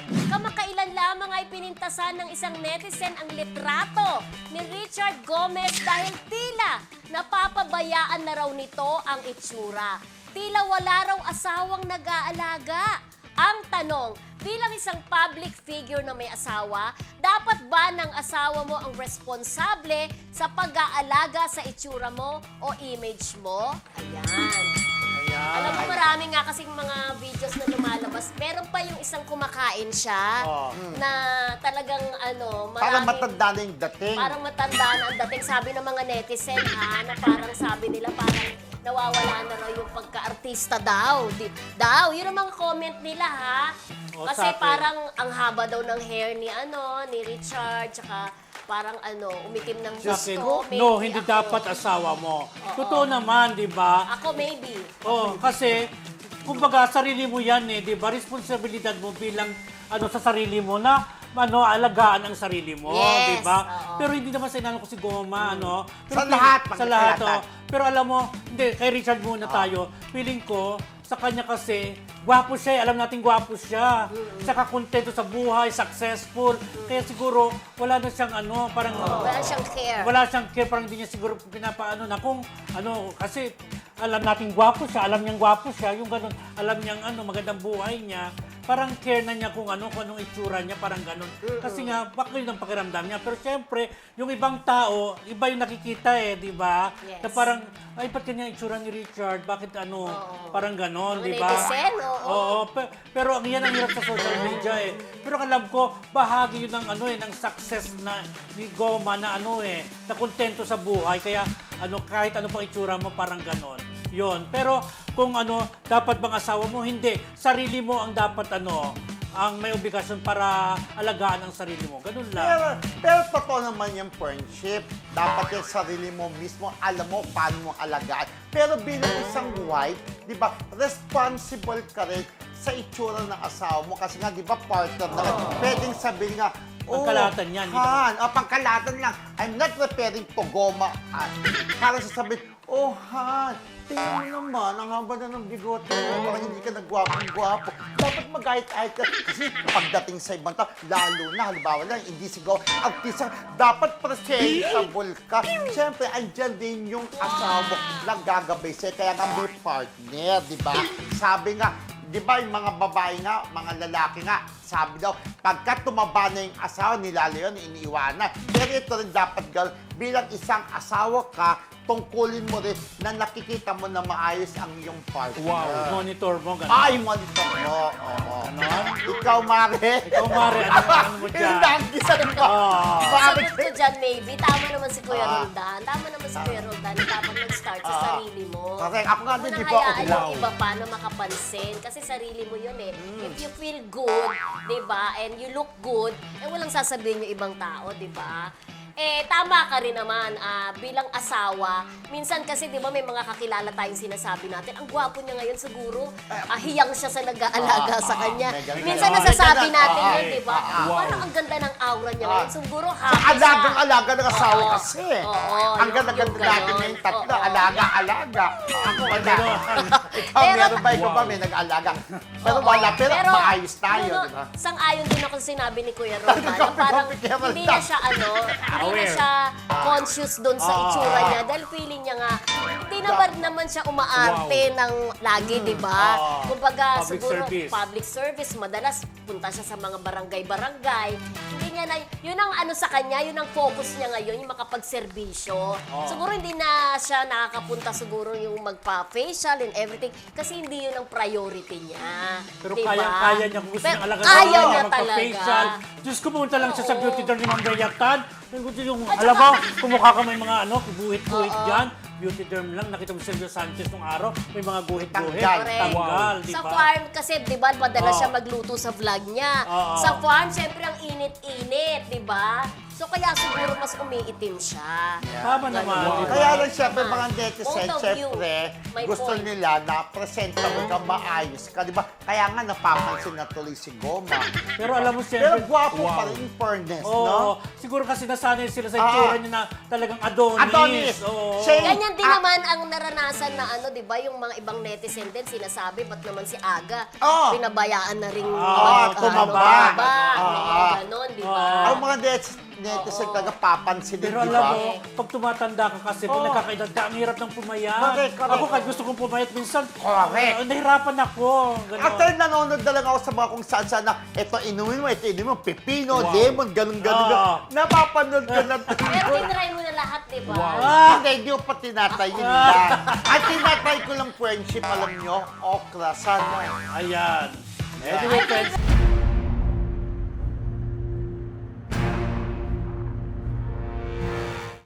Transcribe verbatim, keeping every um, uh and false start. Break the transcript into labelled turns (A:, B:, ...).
A: Kamakailan lamang ay pinintasan ng isang netizen ang litrato ni Richard Gomez dahil tila napapabayaan na raw nito ang itsura. Tila wala raw asawang nag-aalaga. Ang tanong, bilang isang public figure na may asawa, dapat ba ng asawa mo ang responsable sa pag-aalaga sa itsura mo o image mo? Ayan. Alam mo, marami nga kasing mga videos na lumalabas. Meron pa yung isang kumakain siya
B: Oh.
A: na talagang ano,
B: Parang
A: maraming...
B: matanda na yung dating.
A: Parang matanda na ang dating. Sabi ng mga netizen ha, na parang sabi nila parang nawawala na raw yung pagka-artista daw. Di, daw, yun ang mga comment nila ha.
C: O,
A: Kasi
C: sa akin.
A: parang ang haba daw ng hair ni ano, ni Richard, tsaka parang ano, umitim ng
C: Sa akin,
A: gusto. Maybe
C: no, hindi
A: ako.
C: dapat asawa mo. Totoo naman, di ba?
A: Ako maybe.
C: Oh, kasi, kumbaga, sarili mo yan eh, di ba? Responsibilidad mo bilang, ano, sa sarili mo na, ano, alagaan ang sarili mo,
A: Yes,
C: di ba?
A: oo.
C: Pero hindi naman sinanong ko si Goma, ano. Pero
B: Sa lahat,
C: Sa lahat,
B: pagkakalahat.
C: oh. Pero alam mo, hindi, kay Richard muna tayo. Feeling ko, sa kanya kasi, gwapo siya, eh. Alam natin gwapo siya. Saka kontento sa buhay, successful. Kaya siguro, wala na siyang ano, parang...
A: Wala siyang care.
C: Wala siyang care, parang hindi niya siguro pinapaano na kung ano, kasi alam natin gwapo siya, alam niyang gwapo siya, yung ganun, alam niyang ano, magandang buhay niya, parang care na niya kung ano, kung anong itsura niya, parang ganun. Kasi nga, baka yun ang pakiramdam niya. Pero siyempre, yung ibang tao, iba yung nakikita eh, di ba?
A: Yes.
C: Na parang, ay, ba't ganyan ang itsura ni Richard? Bakit ano, parang ganon,
A: Mga
C: di ba?
A: netizen, oo.
C: Oo, pe- pero ang yan ang hirap sa social media eh. Pero alam ko, bahagi yun ng ano eh, ng success na ni Goma na ano eh, na kontento sa buhay. Kaya ano, kahit ano pang itsura mo, parang ganon. Yun. Pero kung ano, dapat bang asawa mo? Hindi. Sarili mo ang dapat ano, ang may obligasyon para alagaan ang sarili mo. Ganun lang.
B: Pero, pero totoo naman yung friendship. Dapat yung sarili mo mismo, alam mo paano mo alagaan. Pero bilang isang wife, di ba, responsible ka rin sa itsura ng asawa mo. Kasi nga, di ba, partner na rin. Pwedeng sabihin nga, oh,
C: Pangkalahatan yan, di ba?
B: Han, oh, pangkalahatan lang. I'm not referring to Goma. Han. Para sasabihin, oh, Han, tingnan mo naman, ang haba na ng bigote mo, parang hindi ka nagwapong-gwapo. Dapat mag-ayit-ayit ka. Kasi pagdating sa ibang tao, lalo na, halimbawa lang, hindi sigaw, artista, dapat presentable ka. Siyempre, andyan din yung asawa mo lang gagabay sa'yo. Kaya nga may partner, di ba? Sabi nga, di ba yung mga babae nga, mga lalaki nga, sabi daw, pagka tumaba na yung asawa, nilalo yun, iniiwanan. Pero ito rin dapat gawin, bilang isang asawa ka, tungkulin mo rin na nakikita mo na maayos ang iyong partner.
C: Wow. Monitor mo, ganun.
B: Ay, monitor mo. Oo.
C: Ganon.
B: Ikaw, Mare.
C: Ikaw, Mare, ano, ano mo dyan?
B: Yung nanggisan mo.
C: Ah.
B: Bakit?
A: Sagot ko dyan, maybe. Tama naman si Kuya
B: Ah.
A: Roldan. Tama naman si Kuya Roldan. Dapat mag-start sa
B: Ah.
A: sarili mo.
B: Correct. Ako nga din,
A: Unang
B: di ba?
A: hayaan yung
C: Wow.
A: iba pa na makapansin. Kasi sarili mo yun eh.
B: Mm.
A: If you feel good, di ba, and you look good, eh walang sasabihin yung ibang tao, di ba? Eh, tama ka rin naman, ah, bilang asawa. Minsan kasi, di ba, may mga kakilala tayong sinasabi natin, ang gwapo niya ngayon siguro, ah, hiyang siya sa nag-aalaga
B: Ah,
A: sa
B: ah,
A: kanya.
B: may ganun.
A: Minsan
B: Ah,
A: nasasabi
B: may ganun.
A: natin
B: Ah,
A: yun, di ba?
C: ah, wow.
A: Parang ang ganda ng aura niya ngayon.
B: Ah.
A: Siguro
B: Sa
A: happy siya.
B: alagang-alaga ng asawa
A: Oo.
B: kasi.
A: Oo,
B: Ang
A: yung-
B: ganda-ganda
A: yung
B: natin
A: ganon.
B: na yung tatlo.
A: Oo.
B: Alaga-alaga. Ako wala.
C: Ganon.
B: Ikaw,
A: Pero-
B: meron ba? Ikaw ba
C: Wow.
B: may nag-alaga? Pero
A: Oo.
B: wala. Pero, maayos tayo,
A: ano,
B: di ba?
A: Sang-ayon din ako sa sinabi ni Kuya Roldan. na
B: Copy,
A: parang
B: copy, Kuya
A: hindi na
B: Roldan.
A: siya ano, hindi na
C: Aware.
A: siya conscious doon sa
C: Ah.
A: itsura niya dahil feeling niya nga hindi naman naman siya umaarte ng lagi, di ba?
B: Ah.
A: Kumbaga
C: Public
A: siguro
C: service.
A: public service, madalas punta siya sa mga barangay-barangay. Hindi niya na, yun ang ano sa kanya, yun ang focus niya ngayon, yung makapagserbisyo. Siguro hindi na siya nakakapunta siguro yung magpa-facial and everything kasi hindi yun ang priority niya.
C: Pero
A: di ba?
C: kaya-kaya niya kung gusto
A: Pero
C: niyang alagaan.
A: Kaya
C: Oo,
A: niya
C: magpa-facial.
A: talaga.
C: Diyos ko, pumunta lang siya sa
A: Oo.
C: beauty derm ni Ma'am Rhea Tan. Yung,
A: At
C: alam
A: saka-
C: mo, kumukha ka may mga ano, guhit-guhit
A: Oo.
C: dyan. Beauty derm lang. Nakita mo si Silvio Sanchez nung araw, may mga guhit-guhit.
B: Tanggal.
A: Correct.
C: Tanggal, di
A: Sa
C: ba?
A: farm kasi, di ba, madalas
C: Oo.
A: siya magluto sa vlog niya.
C: Oo.
A: Sa farm, siyempre ang init-init, di ba? So kaya siguro mas umiitim siya.
C: Tama
A: Ganun.
C: naman, di ba?
B: Kaya lang siyempre mga
A: Point
B: netizen,
A: of view.
B: siyempre,
A: May
B: gusto
A: point.
B: nila na presentable ka, maayos ka, di ba? Kaya nga napapansin na tuloy si Goma.
C: Pero alam mo,
B: Pero
C: siyempre,
B: gwapo pa rin in fairness,
C: Oo,
B: no?
C: siguro kasi nasanay sila sa
B: Ah.
C: itsura niya na talagang Adonis.
B: Adonis.
C: Oo.
B: Siya-
A: Ganyan din
B: Ah.
A: naman ang naranasan na ano, 'di ba, yung mga ibang netizen din sinasabi ba't naman si Aga
B: Oo.
A: pinabayaan na ring
C: Ah,
A: mag-
C: tumaba.
A: ano, tumaba,
B: Ah.
A: mga ganon, 'di ba?
C: Ah.
B: Ang mga net- netizen
A: Oo.
B: talaga papansin din,
C: Pero
B: di
C: alam
B: ba?
C: mo, pag tumatanda ka kasi, pag
B: Oo.
C: nakakaedad ka, ang hirap ng pumayat.
B: Correct, correct.
C: Ako kahit gusto kong pumayat minsan,
B: Correct.
C: uh, nahirapan ako. Ganon.
B: Actually, nanonood na lang ako sa mga kung saan saan na ito inumin mo, ito inumin mo, pipino,
C: Wow.
B: lemon, ganun, ganun.
C: Ah.
B: ganun. Napapanood ko na
A: Pero tinry mo na lahat, 'di ba?
C: Ah.
B: Hindi, hindi ko pa tinatay yun lang. At tinatay ko lang friendship, alam nyo, okra, sana.
C: Ayan. Anyway, friends,